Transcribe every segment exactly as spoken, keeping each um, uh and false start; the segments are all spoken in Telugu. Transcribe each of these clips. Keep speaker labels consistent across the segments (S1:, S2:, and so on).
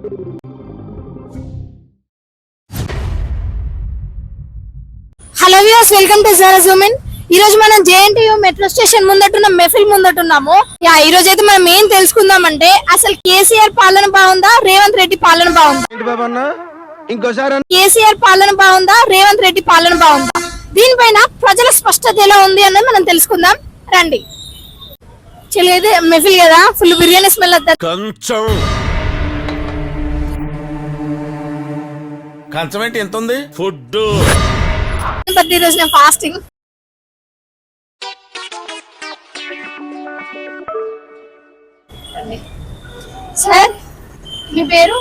S1: Hello viewers, welcome to Zara zoom in. ఈ రోజు మనం జేఎన్టీయూ మెట్రో స్టేషన్ ముందటున్న మెఫిల్ ముందటున్నాము. యా ఈ రోజు అయితే మనం ఏం తెలుసుకుందామంటే అసలు కేసీఆర్ పాలన బాగుందా, రేవంత్ రెడ్డి పాలన బాగుందా? కేసీఆర్ పాలన బాగుందా, రేవంత్ రెడ్డి పాలన బాగుందా? దీనిపైన ప్రజల స్పష్టత ఎలా ఉంది అన్నది మనం తెలుసుకుందాం రండి. చెల్లి మెఫిల్ కదా, ఫుల్ బిర్యానీ స్మెల్ వస్తుంది.
S2: కంచం ఏంటి ఎంత ఉంది? ఫుడ్
S1: ఈ రోజు నేను ఫాస్టింగ్. సార్ మీ పేరు?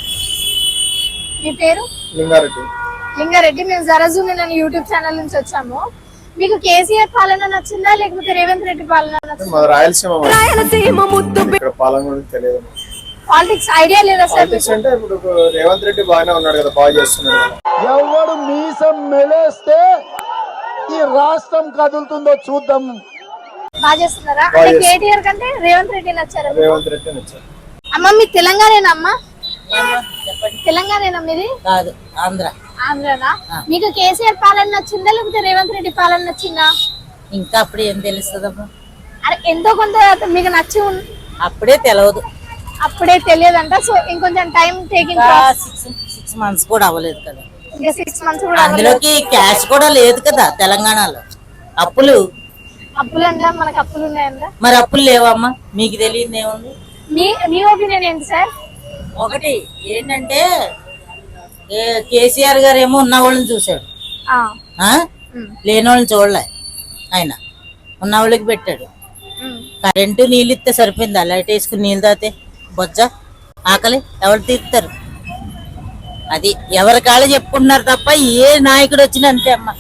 S1: మీ పేరు
S3: లింగారెడ్డి.
S1: లింగారెడ్డి. మేము జరా జూమ్ ఇన్ అనే యూట్యూబ్ ఛానల్ నుంచి వచ్చాము. మీకు కేసీఆర్ పాలన నచ్చిందా లేకపోతే రేవంత్ రెడ్డి పాలన నచ్చిందా?
S3: రాయలసీమ పాలన గురించి తెలియదు.
S1: పాలిటిక్స్ ఐడియా లేదా సార్?
S3: అంటే ఇప్పుడు రేవంత్ రెడ్డి బాగానే ఉన్నాడు కదా, బాగా చేస్తున్నాడు.
S4: ఎవడు మీసం మెలేస్తే ఈ రాష్ట్రం కదులుతుందో చూద్దాం.
S1: బాగా చేస్తున్నారా? అంటే కేటీఆర్ కంటే రేవంత్ రెడ్డి నచ్చారా?
S3: రేవంత్ రెడ్డి నచ్చారు.
S1: అమ్మ మీ తెలంగాణేనా? అమ్మ తెలంగాణేనా మీది?
S5: కాదు, ఆంధ్ర.
S1: ఆంధ్రనా? మీకు కేసీఆర్ పాలన నచ్చిందా లేకపోతే రేవంత్ రెడ్డి పాలన నచ్చిందా?
S5: ఇంకా అప్పుడు ఏం తెలుస్తుందమ్మా?
S1: అరే ఎంతో కొంత మీకు నచ్చి
S5: అప్పుడే తెలియదు.
S1: అప్పుడే తెలియదంట. సో ఇంకొంచెం time taking.
S5: Six six months కూడా అవ్వలేదు కదా.
S1: ఇంకా సిక్స్ మంత్స్ కూడా
S5: అందులోకి క్యాష్ కూడా లేదు కదా తెలంగాణలో. అప్పులు
S1: అప్పులు అంట, మనకు అప్పులు ఉన్నాయంట.
S5: మరి అప్పులు లేవమ్మా? మీకు తెలియదు ఏముంది?
S1: మీ మీ ఒపీనియన్ ఏంటి సార్?
S5: ఒకటి ఏంటంటే కేసీఆర్ గారు ఏమో ఉన్న వాళ్ళని చూశాడు, లేని వాళ్ళని చూడలే. ఆయన ఉన్న వాళ్ళకి పెట్టాడు. కరెంటు నీళ్ళు ఇస్తే సరిపోయిందా? లైట్ వేసుకుని నీళ్ళు తాగితే బొజ్జ ఆకలి ఎవరు తీస్తారు? అది ఎవరి కాళ్ళు చెప్పుకుంటున్నారు తప్ప ఏ నాయకుడు వచ్చినా అంతే అమ్మా.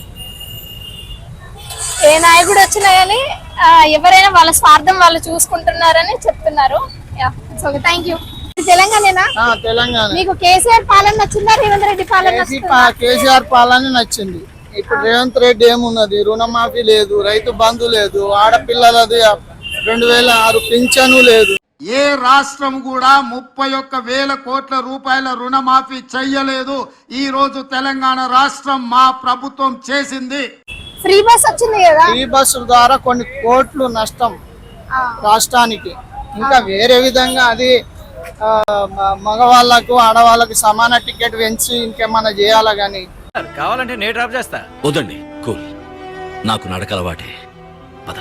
S1: ఏ నాయకుడు వచ్చినా కానీ ఎవరైనా వాళ్ళ స్వార్థం వాళ్ళు చూసుకుంటున్నారని చెప్తున్నారు. Thank you. తెలంగాణేనా?
S4: తెలంగాణ.
S1: మీకు కేసీఆర్ పాలన నచ్చిందా రేవంత్ రెడ్డి పాలన?
S4: కేసీఆర్ పాలన నచ్చింది. ఇప్పుడు రేవంత్ రెడ్డి ఏమున్నది? రుణమాఫీ లేదు, రైతు బంధు లేదు, ఆడపిల్లలది రెండు వేల ఆరు పింఛను లేదు. ఏ రాష్ట్రం కూడా ముప్పై ఒక్క వేల కోట్ల రూపాయల రుణమాఫీ చెయ్యలేదు. ఈ రోజు తెలంగాణ రాష్ట్రం మా ప్రభుత్వం చేసింది.
S1: ఫ్రీ బస్ వచ్చింది కదా.
S4: ఫ్రీ బస్సు ద్వారా కొన్ని కోట్లు నష్టం రాష్ట్రానికి. ఇంకా వేరే విధంగా అది మగవాళ్ళకు ఆడవాళ్ళకు సమాన టికెట్ పెంచి ఇంకేమన్నా చేయాలా గానీ.
S2: కావాలంటే నేను డ్రాప్ చేస్తా. వద్దండి, కూల్. నాకు నడకలవాటే. పద.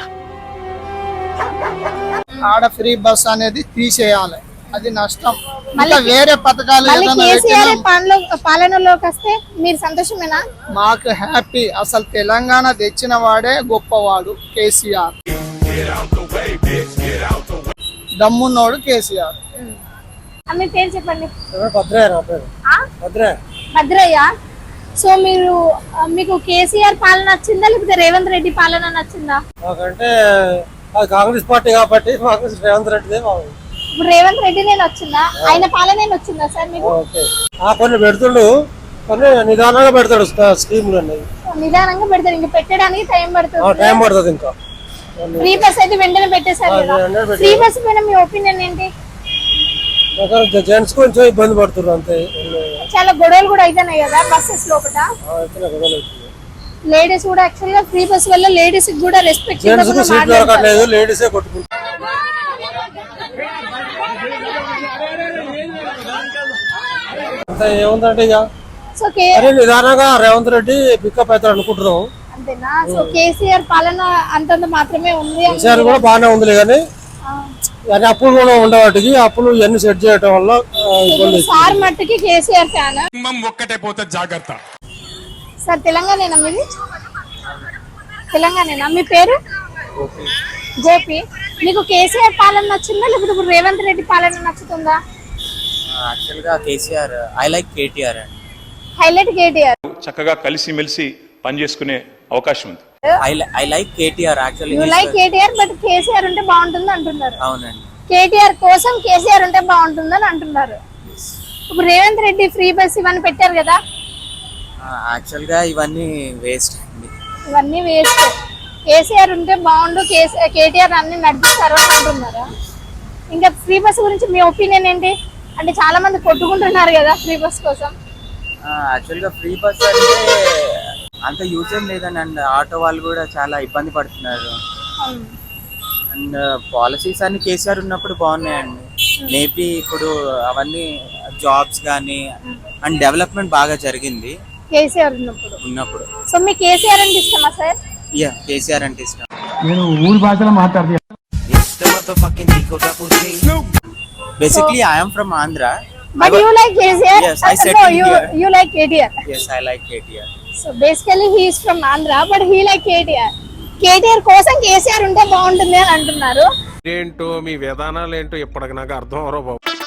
S4: ఆడ ఫ్రీ బస్ అనేది తీసేయాలి, అది నష్టం. ఇంకా వేరే పథకాలు
S1: పాలనలోకి వస్తే మీరు సంతోషమేనా?
S4: మాకు హ్యాపీ. అసలు తెలంగాణ తెచ్చిన వాడే గొప్పవాడు కేసీఆర్. దమ్మున్నోడు కేసీఆర్.
S1: మీ పేరు చెప్పండి.
S4: భద్రయ్య.
S1: భద్రయ్య. సో మీరు మీకు కేసీఆర్ పాలన నచ్చిందా లేకపోతే రేవంత్ రెడ్డి పాలన నచ్చిందా?
S4: అంటే కాంగ్రెస్ పార్టీ కాబట్టి రేవంత్ రెడ్డి.
S1: ఇప్పుడు రేవంత్ రెడ్డి నేను వచ్చిందా, ఆయన పాలన వచ్చిందా సార్ మీకు?
S4: కొన్ని పెడుతుండు, కొన్ని నిదానంగా పెడతాడు స్కీములు.
S1: నిదానంగా పెడతాడు, ఇంకా పెట్టడానికి టైం పడుతుంది.
S4: టైం పడుతుంది. ఇంకా
S1: ఫ్రీ బస్ అయితే వెంటనే పెట్టేశారు కదా. ఫ్రీ బస్ పైన మీ ఒపీనియన్ ఏంటి?
S4: జెంట్స్ కొంచెం ఇబ్బంది పడుతున్నారు అంతే.
S1: చాలా గొడవలు కూడా అయితున్నాయి కదా బస్సెస్ లోపల. లేడీస్ కూడా యాక్చువల్ గా ఫ్రీ బస్ వల్ల లేడీస్ కూడా రెస్పెక్ట్
S4: లేదు. లేడీసే కొట్టుకుంటారు. ఏముందంటే ఇక నిదానంగా రేవంత్ రెడ్డి పికప్ అవుతారు అనుకుంటున్నాం.
S1: అంతేనా? సో కేసీఆర్ పాలన అంతంత మాత్రమే ఉంది.
S4: కేసీఆర్ కూడా బాగానే ఉంది కానీ అప్పులు కూడా ఉండవాటికి అప్పులు ఇవన్నీ సెట్ చేయడం వల్ల
S1: సార్ మట్టుకి కేసీఆర్ ఫ్యాన్.
S2: ఒక్కటే పోతే జాగ్రత్త.
S1: సార్ తెలంగాణేనా మీది? తెలంగాణేనా? మీ పేరు? జేపీ. మీకు కేసీఆర్ పాలన నచ్చిందా లేకపోతే ఇప్పుడు రేవంత్ రెడ్డి పాలన నచ్చుతుందా?
S6: యాక్చువల్ గా KCR. I like KTR.
S1: Highlight KTR.
S7: చక్కగా కలిసి మెలిసి పనిచేసుకునే అవకాశం ఉంది.
S6: I like KTR actually.
S1: You like KTR but KCR ఉంటే బాగుంటుంది అంటున్నారు.
S6: అవునండి.
S1: కేటీఆర్ కోసం కేసీఆర్ ఉంటే బాగుంటుందని అంటున్నారు. ఇప్పుడు రేవంత్ రెడ్డి ఫ్రీ బస్ ఇవన్నీ పెట్టారు కదా.
S6: యాక్చువల్ గా ఇవన్నీ వేస్ట్ అండి.
S1: ఇవన్నీ వేస్ట్. కేసీఆర్ ఉంటే బాగుండు, కేటీఆర్ అన్ని నడిపిస్తారు అని అంటున్నారా? ఇంకా ఫ్రీ బస్ గురించి మీ ఒపీనియన్ ఏంటి? అంటే చాలా మంది కొట్టుకుంటున్నారు కదా ఫ్రీ బస్ కోసం.
S6: యాక్చువల్గా ఫ్రీ బస్ అంటే అంత యూజ్ ఏం లేదని, అండ్ ఆటో వాళ్ళు కూడా చాలా ఇబ్బంది పడుతున్నారు. అండ్ పాలసీస్ అన్ని కేసీఆర్ ఉన్నప్పుడు బాగున్నాయండి. మేబీ ఇప్పుడు అవన్నీ జాబ్స్ కానీ అండ్ డెవలప్మెంట్ బాగా జరిగింది
S1: కేసీఆర్ ఉన్నప్పుడు.
S6: ఉన్నప్పుడు.
S1: సో మీకు కేసీఆర్ అంటే ఇష్టమా సార్?
S6: యా, కేసీఆర్ అంటే ఇష్టం.
S4: నేను ఊరి భాషలో మాట్లాడుతున్నా.
S6: Basically I'm from Andhra.
S1: But you like K C R?
S6: Yes, I
S1: Uh,
S6: said
S1: no,
S6: it
S1: you
S6: here.
S1: you like K T R.
S6: Yes, I like K T R.
S1: So basically he is from Andhra, but he like K T R. K T R కోసం కేసీఆర్ ఉంటే బాగుంటుంది అని అంటున్నారు.
S8: ఏంటో మీ విధానాలు ఏంటో ఇప్పటికి నాకు అర్థం అవరో బాబు.